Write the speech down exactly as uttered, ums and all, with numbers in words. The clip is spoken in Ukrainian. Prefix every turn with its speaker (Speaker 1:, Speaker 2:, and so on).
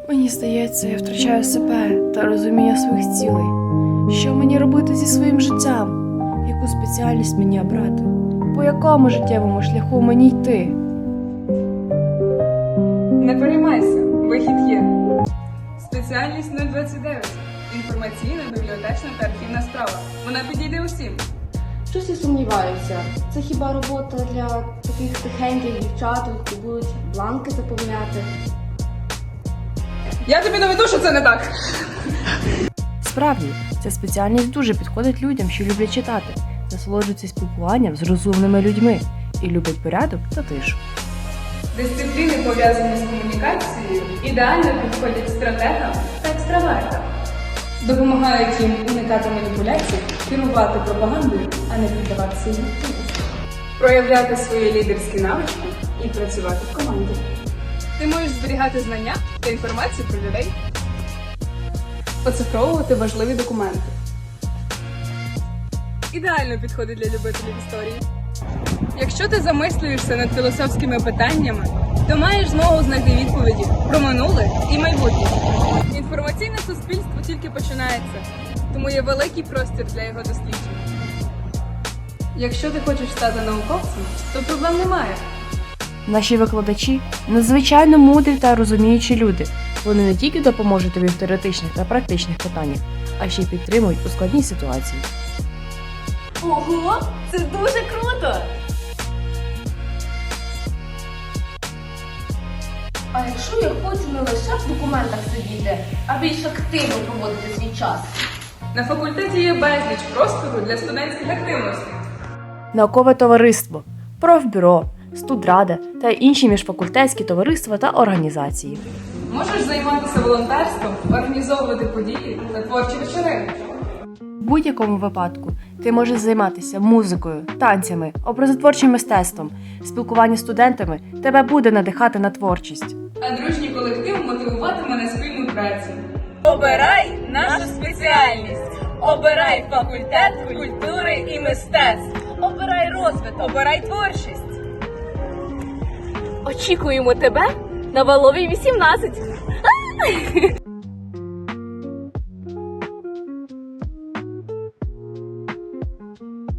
Speaker 1: Мені здається, я втрачаю себе та розуміння своїх цілей. Що мені робити зі своїм життям? Яку спеціальність мені обрати? По якому життєвому шляху мені йти?
Speaker 2: Не переймайся, вихід є. Спеціальність нуль двадцять дев'ять. Інформаційна, бібліотечна та архівна справа. Вона підійде усім.
Speaker 3: Щось я сумніваюся. Це хіба робота для таких тихеньких дівчаток, які будуть бланки заповняти?
Speaker 2: Я тобі доведу, що це не так.
Speaker 1: Справді, ця спеціальність дуже підходить людям, що люблять читати, насолоджуються спілкуванням з розумними людьми і люблять порядок та тишу.
Speaker 2: Дисципліни, пов'язані з комунікацією, ідеально підходять стратегам та екстравертам. Допомагають їм уникати маніпуляцій, керувати пропагандою, а не піддаватися їм. Проявляти свої лідерські навички і працювати в команді. Ти можеш зберігати знання та інформацію про людей, оцифровувати важливі документи. Ідеально підходить для любителів історії. Якщо ти замислюєшся над філософськими питаннями, то маєш змогу знайти відповіді про минуле і майбутнє. Інформаційне суспільство тільки починається, тому є великий простір для його досліджень. Якщо ти хочеш стати науковцем, то проблем немає.
Speaker 1: Наші викладачі – надзвичайно мудрі та розуміючі люди. Вони не тільки допоможуть тобі в теоретичних та практичних питаннях, а ще й підтримують у складній ситуації.
Speaker 3: Ого, це дуже круто! А якщо я хочу не лише в документах сидіти, а більш активно проводити свій час?
Speaker 2: На факультеті є безліч простору для студентських активностей.
Speaker 1: Наукове товариство, профбюро, студрада та інші міжфакультетські товариства та організації.
Speaker 2: Можеш займатися волонтерством, організовувати події та творчі вечори.
Speaker 1: В будь-якому випадку ти можеш займатися музикою, танцями, образотворчим мистецтвом. Спілкування з студентами тебе буде надихати на творчість.
Speaker 2: А дружній колектив мотивуватиме на спільну працю. Обирай нашу спеціальність. Обирай факультет культури і мистецтв. Обирай розвиток. Обирай творчість.
Speaker 3: Очікуємо тебе на Валовій вісімнадцять.